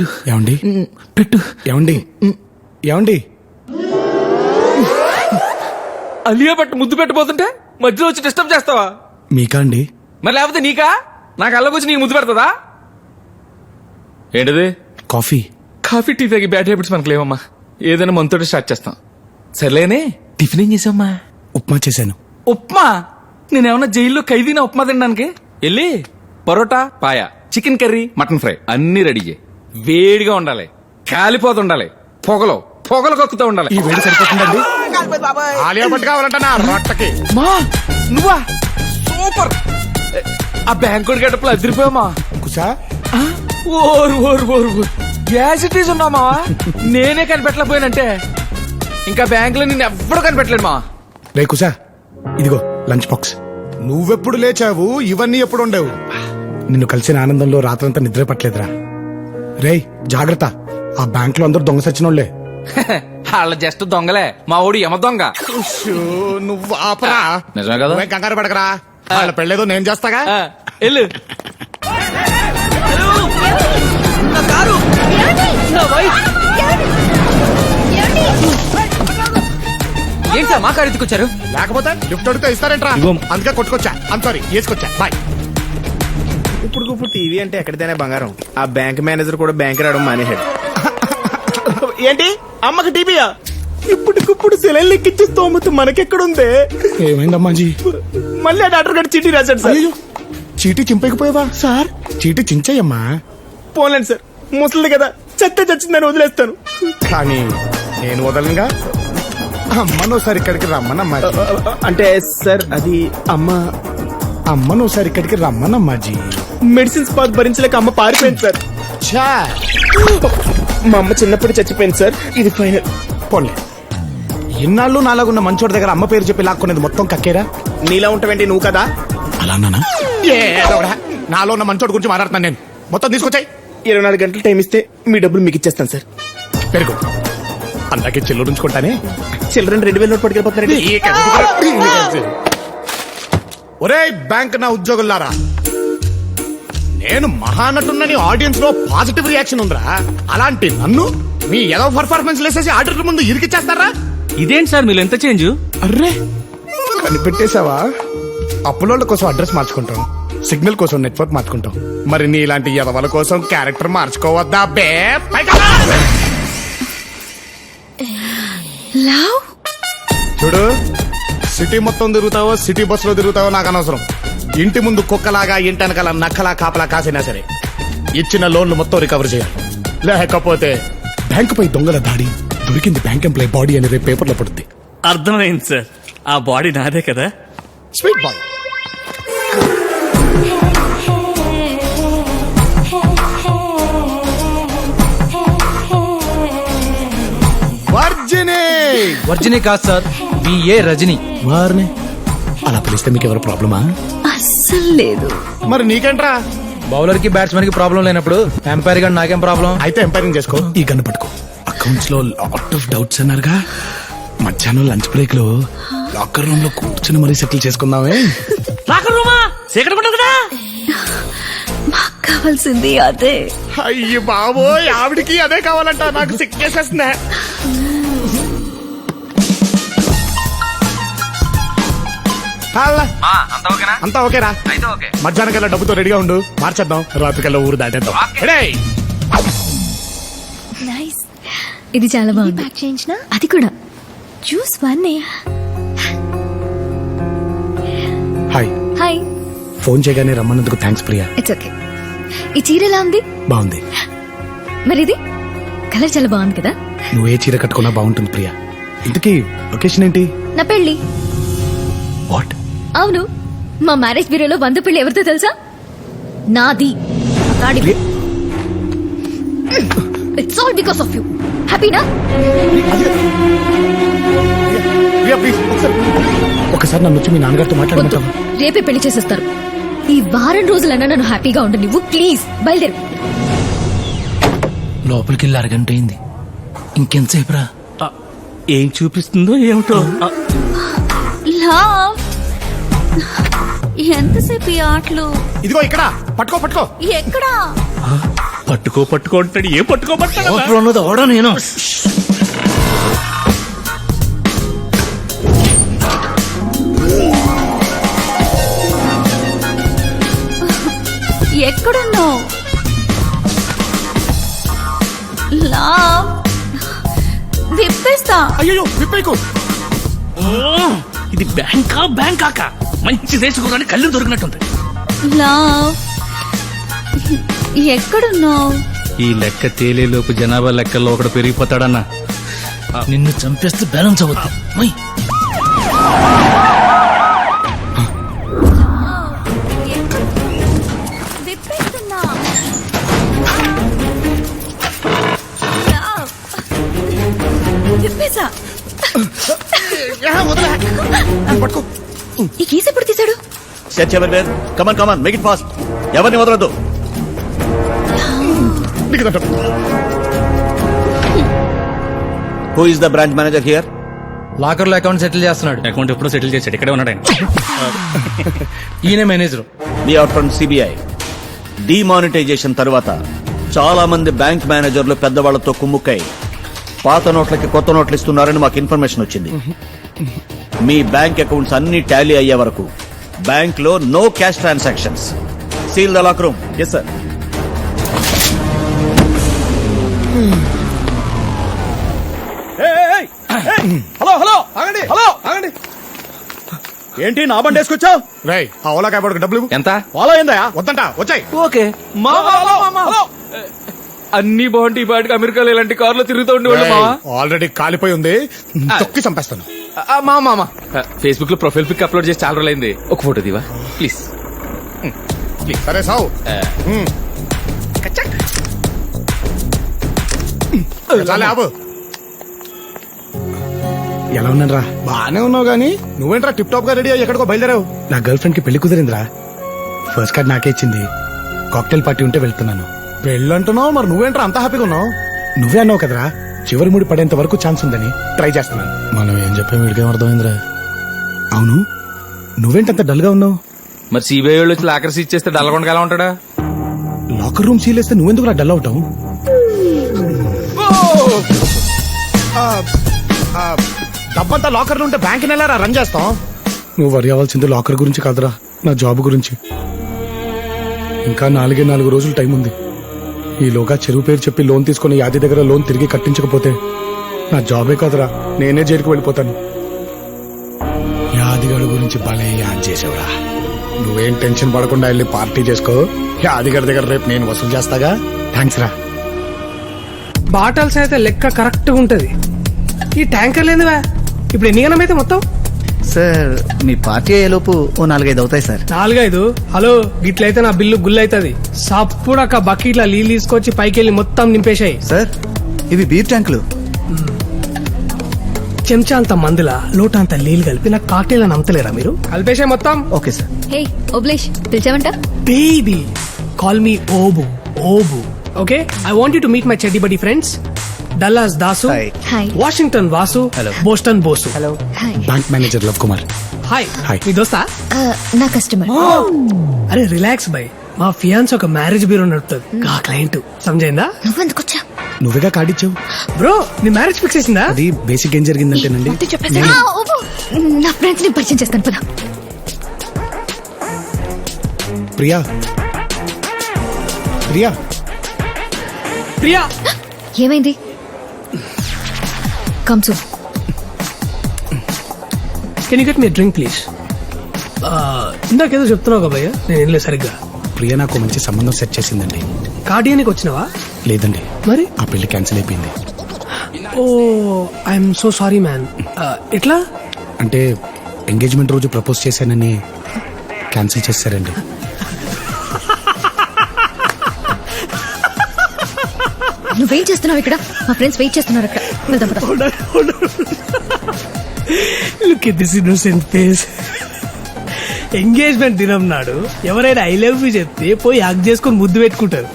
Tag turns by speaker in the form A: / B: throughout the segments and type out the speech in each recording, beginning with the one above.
A: ఏమండి
B: పెట్టు.
A: ఏమండి ఏమండి
B: అలియా పట్టు ముద్దు పెట్టబోతుంటే మధ్యలో వచ్చి డిస్టర్బ్ చేస్తావా?
A: మీకా అండి?
B: మరి లేకపోతే నీకా? నాకు అల్లకొచ్చి నీకు ముద్దు పెడతదా? ఏంటిది?
A: కాఫీ.
B: కాఫీ టీ తాగి బ్యాడ్ హ్యాబిట్స్ మనకు లేవమ్మా. ఏదైనా మనతోటి స్టార్ట్ చేస్తాం. సర్లేనే, టిఫిన్ ఏం చేసావమ్మా?
A: ఉప్మా చేశాను.
B: ఉప్మా? నేనేమన్నా జైల్లో ఖైదీనా ఉప్మా తినడానికి? వెళ్ళి parotta, paya, chicken curry, mutton fry అన్ని రెడీ చేయి. వేడిగా ఉండాలి, కాలిపోతుండాలి, పొగలు పొగలు కక్కుతూ ఉండాలి.
A: ఈ వేడి సరిపోతుందండి? ఆలియా భట్ కావాలంటనా రొట్టకి?
B: మా నువ్వా? సూపర్. ఆ బ్యాంకుడి గడపలు అదిరిపోయామా?
A: కుసా
B: ఓరు ఓరు ఓరు ఓరు గ్యాస్ ఇటీస్ ఉన్నామా? నేనే కనిపెట్టలేకపోయానంటే ఇంకా బ్యాంకులో నిన్ను ఎవ్వడూ కనిపెట్టలేడు మా.
A: రే కుసా, ఇదిగో లంచ్ బాక్స్. నువ్వెప్పుడు లేచావు? ఇవన్నీ ఎప్పుడు ఉండవు? నిన్ను కలిసిన ఆనందంలో రాత్రంతా నిద్ర పట్టలేదురా. రేయ్ జాగ్రత్త, ఆ బ్యాంక్ లో అందరూ దొంగ సచ్చినోళ్లే.
B: వాళ్ళ జస్ట్ దొంగలే, మా ఓడి యమ దొంగ.
A: నువ్వు ఆపరా.
B: నిజమే కదా?
A: నువ్వేం కంగారు పడకరా, వాళ్ళ పెళ్ళేదో నేను చేస్తాగా.
B: వెళ్ళు. ఏంటి సార్ మా కారు ఎత్తుకొచ్చారు?
A: లేకపోతే లిఫ్ట్ అడిగితే ఇస్తారంట్రా, అందుకే కొట్టుకొచ్చా. సారీ వేసుకొచ్చా. బాయ్.
C: ఇప్పుడు టీవీ అంటే ఎక్కడితేనే బంగారం. ఆ బ్యాంక్ మేనేజర్ కూడా బ్యాంక్ రావడం మానేశాడు. ఏంటి అమ్మకి టీవీయా? ఇప్పటికిప్పుడు సెలైన్ లెక్కించే స్తోమత మనకెక్కడుందే?
A: ఏమైందమ్మాజీ?
C: మళ్ళీ ఆ డాక్టర్ గారు చీటీ రాశాడు సార్.
A: అయ్యో, చీటీ చింపకపోయావా?
C: సార్
A: చీటీ చించయ్యమ్మా.
C: పోలేండి సార్, ముసలిది కదా, చెత్త చచ్చిందని వదిలేస్తాను.
A: కానీ నేను వదలనుగా. అమ్మనోసారి ఇక్కడికి రమ్మనమ్మా.
C: అంటే సార్ అది
A: అమ్మనోసారి ఇక్కడికి రమ్మనమ్మాజీ.
C: మెడిసిన్స్ పాత్ భరించలేక అమ్మ పారిపోయింది సార్.
A: ఛా,
C: మా అమ్మ చిన్నప్పుడు చచ్చిపోయింది సార్. ఇది ఫైనల్.
A: పోన్లే, ఇన్నాళ్ళు నాలాగున్న మంచోడి దగ్గర అమ్మ పేరు చెప్పి లాక్కునేది మొత్తం కక్కేరా.
C: నీలా ఉంటావేంటి నువ్వు కదా?
A: అలా అన్నానా? నాలో ఉన్న మంచోడి గురించి మాట్లాడుతున్నాను నేను. మొత్తం తీసుకొచ్చాయి.
C: 24 గంటలు టైం ఇస్తే మీ డబ్బులు మీకు ఇచ్చేస్తాను సార్.
A: పెరుగు అందాకే చెల్లు ఉంచుకుంటానే.
C: Children 2000 note పట్టుకెళ్ళిపోతున్నారండి.
A: ఒరే బ్యాంక్ నా ఉద్యోగులారా, నేను మహానటున్నని ఆడియన్స్ లో పాజిటివ్ రియాక్షన్ ఉందిరా. అలాంటి నన్ను మీ ఏదో పర్ఫార్మెన్స్ లేసేసి ఆడిటర్ ముందు ఇరికిచ్చేస్తారా?
B: ఇదేంటి సార్ మీరు ఎంత చేంజ్?
A: అర్రే కనిపెట్టేశావా? అప్పులోళ్ళ కోసం అడ్రస్ మార్చుకుంటాం, సిగ్నల్ కోసం నెట్వర్క్ మార్చుకుంటాం. మరి నీ ఇలాంటి ఎదవల కోసం క్యారెక్టర్ మార్చుకోవద్దా బే? చూడు, సిటీ మొత్తం తిరుగుతావో సిటీ బస్ లో తిరుగుతావో నాకు అనవసరం. ఇంటి ముందు కుక్కలాగా ఇంటనకాల నక్కలా కాపలా కాసినా సరే ఇచ్చిన లోన్లు మొత్తం రికవర్ చేయాలి. లేకపోతే బ్యాంకు పై దొంగల దాడి, దొరికింది బ్యాంక్ ఎంప్లాయ్ బాడీ అని రేపు పేపర్లో పడుద్ది.
D: అర్థమైంది సార్, ఆ బాడీ నాదే కదా.
A: Sweet boy.
E: వర్జిని కాదు సార్, బిఏ రజని.
A: వారిని అలా పిలిస్తే మీకు ఎవరు ప్రాబ్లమా?
F: అస్సలు లేదు.
A: మరి నీకేంట్రా?
E: బౌలర్ కి బ్యాట్స్మెన్ కి ప్రాబ్లం లేనప్పుడు ఎంపైర్ గా నాకేం ప్రాబ్లం?
A: అయితే ఎంపైరింగ్ చేసుకో. ఈ గన్ను పట్టుకో. అకౌంట్స్ లో లాట్ ఆఫ్ డౌట్స్ అన్నారుగా, మధ్యాహ్నం లంచ్ బ్రేక్ లో లాకర్ రూమ్ లో కూర్చుని మరీ సెటిల్ చేసుకుందామే.
D: లాకర్ రూమా? సీక్రెట్ ఉండదు కదా.
F: మాకు కావాల్సింది అదే.
A: అయ్యి బాబోయ్, ఆవిడికి అదే కావాలంట. నాకు సిక్ చేసేస్తున్నా. అంతా ఓకేరా? మధ్యాహ్నం కల్లా డబ్బుతో రెడీగా ఉండు, మార్చేద్దాం. రాత్రికల్లా ఊరు దాటేద్దాం.
F: నైస్. ఇది చాలా బాగుంది. ప్యాక్ చేయించిన అది కూడా juice one.
A: Hi.
F: Hi.
A: Phone చేయగానే రమ్మన్నందుకు థ్యాంక్స్ ప్రియా.
F: It's okay. ఈ చీర ఎలా ఉంది?
A: బాగుంది.
F: మరి ఇది కలర్ చాలా బాగుంది కదా.
A: నువ్వు ఏ చీర కట్టుకున్నా బాగుంటుంది ప్రియా. ఇంతకీ లొకేషన్ ఏంటి?
F: నా పెళ్లి.
A: వాట్?
F: అవును, మా మ్యారేజ్ బ్యూరోలో 100 పెళ్లి ఎవరితో తెలుసా? నాది. It's all because of you. హ్యాపీనా?
A: ఒకసారి నన్ను వచ్చి మీ నాన్నగారితో మాట్లాడమంటావా?
F: రేపే పెళ్లి చేసేస్తారు. ఈ వారం రోజులన్నా నన్ను హ్యాపీగా ఉండు నువ్వు. ప్లీజ్ బయలుదేరు.
E: లోపలికి వెళ్ళి అరగంట అయింది, ఇంకెంతసేపు రా?
D: ఏం చూపిస్తుందో ఏమిటో.
F: లవ్, ఎంతసేపు ఈ ఆటలు?
A: ఇదిగో ఇక్కడ పట్టుకో.
F: ఎక్కడా?
D: పట్టుకో అంటాడు ఏం పట్టుకోమంటాడు
E: లోపల ఉన్నది ఎవడో నేను
F: ఎక్కడున్నావు లవ్ విప్పేస్తా.
A: అయ్యో విప్పేకు.
D: ఇది బ్యాంకాక మంచి దేశకురాని కళ్ళు దొరికినట్టుంది.
F: లవ్ ఎక్కడున్నావు?
E: ఈ లెక్క తేలేలోపు జనాభా లెక్కల్లో ఒకడు పెరిగిపోతాడన్నా. నిన్ను చంపేస్తే బ్యాలెన్స్ అవుద్ది. మై.
F: విప్పేస్తున్నా. లవ్ విప్పేసా.
A: పట్టుకో.
F: ఈ కేసు ఎప్పుడు తీశాడు?
G: Search everywhere. Come on come on make it fast. ఎవరిని వదలొద్దు. Who is the branch manager here?
E: Locker లో అకౌంట్ సెటిల్ చేస్తున్నాడు.
D: అకౌంట్ ఎప్పుడో సెటిల్ చేశాడు, ఇక్కడే ఉన్నాడు ఆయన.
E: ఈయన manager.
G: We are from CBI. Demonetisation తర్వాత చాలా మంది బ్యాంక్ మేనేజర్లు పెద్దవాళ్లతో కుమ్ముక్కై పాత నోట్లకి కొత్త నోట్లు ఇస్తున్నారని మాకు ఇన్ఫర్మేషన్ వచ్చింది. మీ బ్యాంక్ అకౌంట్స్ అన్ని టాలీ అయ్యే వరకు బ్యాంక్ లో no cash transactions. Seal the lock room. Yes sir.
C: Hello ఆగండి. ఆగండి. ఏంటి నా బండి వేసుకొచ్చావు?
A: రై ఆ ఓలా కాయపడకు డబ్బులు ఇవ్వు.
B: ఎంత?
C: ఫాలో అయిందా?
A: వద్దంట వచ్చాయి.
B: ఓకే. అన్ని బాగుంటాయి. ఈ పాటికి అమెరికాలో ఇలాంటి కార్లో తిరుగుతూ ఉండేవాళ్ళు మావా.
A: ఆల్రెడీ కాలిపోయి ఉంది, తొక్కి చంపేస్తాను.
B: మామ ఫేస్బుక్ లో ప్రొఫైల్ పిక్ అప్లోడ్ చేసి చాలా రోజులైంది. ఒక ఫోటో దివా ప్లీజ్.
A: సరే సావు. చాలే ఆపు. ఎలా ఉన్నారా? బానే ఉన్నావు గానీ నువ్వేంట్రా టిప్ టాప్ గా రెడీ అయ్యి ఎక్కడికో బయలుదేరావు? నా గర్ల్ ఫ్రెండ్ కి పెళ్లి కుదిరిందిరా. ఫస్ట్ కార్డ్ నాకే ఇచ్చింది. కాక్టైల్ పార్టీ ఉంటే వెళ్తున్నాను. పెళ్ళంటున్నావు, మరి నువ్వేంట్రా అంత హ్యాపీగా ఉన్నావు? నువ్వే అన్నావు కదరా చివరి ముడి పడేంత వరకు ఛాన్స్ ఉందని. ట్రై చేస్తున్నాను. మనం ఏం చెప్పాం వీడికేం అర్థమైందిరా? అవును, నువ్వేంటంత డల్ గా ఉన్నావు?
B: మరి సిబిఐ వాళ్ళు వచ్చి లాకర్ సీజ్ చేస్తే డల్గొండగా ఎలా ఉంటాడా?
A: లాకర్ రూమ్ సీల్ వేస్తే నువ్వెందుకు డల్ అవుతావు? డబ్బంతా లాకర్లు ఉంటే బ్యాంక్ నెలరా రన్ చేస్తాం. నువ్వు వరి అవ్వాల్సింది లాకర్ గురించి కాదురా, నా జాబ్ గురించి. ఇంకా 4 రోజులు టైం ఉంది. ఈలోగా చెరువు పేరు చెప్పి లోన్ తీసుకుని యాది దగ్గర లోన్ తిరిగి కట్టించకపోతే నా జాబే కాదురా, నేనే జైలుకి వెళ్ళిపోతాను. యాదిగడు గురించి భలే యాద్ చేసావురా. నువ్వేం టెన్షన్ పడకుండా వెళ్ళి పార్టీ చేసుకో. యాదిగడి దగ్గర రేపు నేను వసూలు చేస్తాగా. థ్యాంక్స్ రా.
H: బాటల్స్ అయితే లెక్క కరెక్ట్ గా ఉంటది. ఈ ట్యాంకర్ లేదువా? ఇప్పుడు ఎన్ని గణం అయితే మొత్తం?
I: సార్ మీ పార్టీ అయ్యేలోపు ఓ 4-5 అవుతాయి సార్.
H: 4-5? హలో, గిట్లయితే నా బిల్లు గుల్ అవుతుంది. సప్పుడక్క బకెట్ల నీళ్ళు తీసుకొచ్చి పైకి వెళ్ళి మొత్తం నింపేశాయి.
I: సార్ ఇవి బీర్ ట్యాంకులు.
H: చెంచా అంత మందుల లోట అంత నీళ్ళు కలిపి నాకు కాక్టైల్ అని అమ్మతలేరా మీరు? కలిపేశాయి మొత్తం.
I: Okay sir.
F: హే ఓబ్లేష్, పిలిచావంట?
H: Baby call me Obu. Obu okay. I want you to meet my చెడ్డి buddy friends. Dallas Dasu,
I: Hi.
F: Hi.
H: Washington Vasu, Boston Bosu.
I: Hello.
F: Hi.
A: Bank manager Lav Kumar.
H: Hi.
A: Hi.
H: మీ దోస్తా?
F: నా కస్టమర్.
H: అరే రిలాక్స్ బై. మా ఫియాన్స్ ఒక మ్యారేజ్ బ్యూరో నడుపుతుంది. ఆ క్లయింట్ సమజైందా?
F: నువ్వెందుకు వచ్చా?
A: నువ్వేగా కార్డిచ్చావు.
H: బ్రో నీ మ్యారేజ్ ఫిక్స్ చేసిందా?
A: అది బేసిక్ ఏం జరిగిందంటేనండి,
F: నా ఫ్రెండ్స్ ని పరిచయం చేస్తాను పద.
A: ప్రియా ప్రియా
H: ప్రియా
F: ఏమైంది? కమ్సు.
H: Can you get me drink please? ఇందాకేదో చెప్తున్నావు కదా భయ్య, నేను ఏం లేదు సరిగ్గా.
A: ప్రియా నాకు మంచి సంబంధం సెట్ చేసిందండి.
H: కార్డియానికి వచ్చినావా?
A: లేదండి,
H: మరి
A: ఆ పెళ్లి క్యాన్సిల్ అయిపోయింది.
H: Oh I'm so sorry man. ఎట్లా?
A: అంటే ఎంగేజ్మెంట్ రోజు ప్రపోజ్ చేశానని క్యాన్సిల్ చేశారండి.
F: నువ్వేం చేస్తున్నావు ఇక్కడ? మా ఫ్రెండ్స్ వెయిట్ చేస్తున్నారు అక్కడ. వెళ్దాం పద.
H: Look at this innocent face. Engagement దినం నాడు ఎవరైనా ఐ లవ్ యూ చెప్తే పోయి హగ్ చేసుకొని ముద్దు పెట్టుకుంటారు.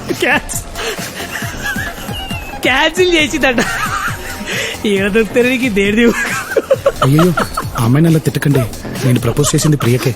H: క్యాన్సిల్ చేసిందట. ఏదో దొరుకుతానికి దేడి.
A: అయ్యో ఆ అమ్మాయిని అలా తిట్టకండి, నేను ప్రపోజ్ చేసింది ప్రియకే.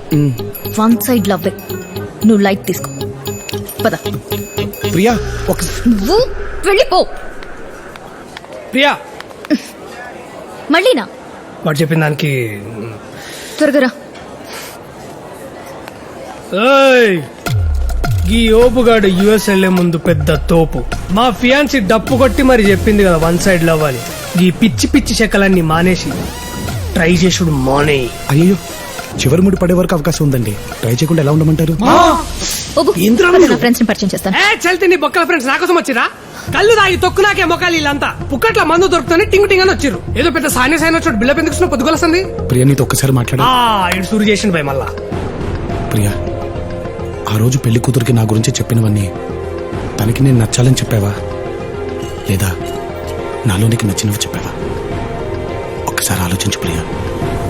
F: వన్ సైడ్ లవ్ నువ్వు లైట్ తీసుకో పద
A: ప్రియా ఒక
F: నువ్వు వెళ్ళిపో
H: ప్రియా
F: మళ్ళీనా
H: వాడు చెప్పిన దానికి
F: త్వరగా రా.
H: ఏయ్, ఈ ఓపుగాడు యుఎస్ వెళ్లే ముందు పెద్ద తోపు మా ఫియాన్సీ డప్పు కొట్టి మరి చెప్పింది కదా వన్ సైడ్ లవ్ అని ఈ పిచ్చి పిచ్చి చెక్కలన్నీ మానేసి ట్రై చేసుడు మానే.
A: అయ్యో చివరి ముడి పడే వరకు అవకాశం ఉందండి. ట్రై చేయకుండా ఎలా ఉండమంటారు?
F: ఓబు,
H: ఏంద్రా
F: పద,
H: నువ్వు?
F: నా ఫ్రెండ్స్ ని పరిచయం చేస్తాను.
H: ఏ చల్తే నీ బొక్కల ఫ్రెండ్స్ నాకోసం వచ్చిరా? కళ్ళు తాగి తొక్కు నాకే మొక్కలు వీళ్ళంతా పుక్కట్ల మందు దొరుకుతుంది టింగ్ టింగ్ అని వచ్చిర్రు. ఏదో పెద్ద సాని సైన్ వచ్చాడు బిల్ల పెందుకు పొద్దుగొలస్తుంది.
A: ప్రియా నీతో ఒక్కసారి మాట్లాడా.
H: ఇటు సూరు చేసిండు భయ మళ్ళా.
A: ప్రియా ఆ రోజు పెళ్లి కూతురికి నా గురించి చెప్పినవన్నీ తనకి నేను నచ్చాలని చెప్పావా లేదా నాలో నీకు నచ్చినవి చెప్పావా? ఒక్కసారి ఆలోచించు ప్రియా.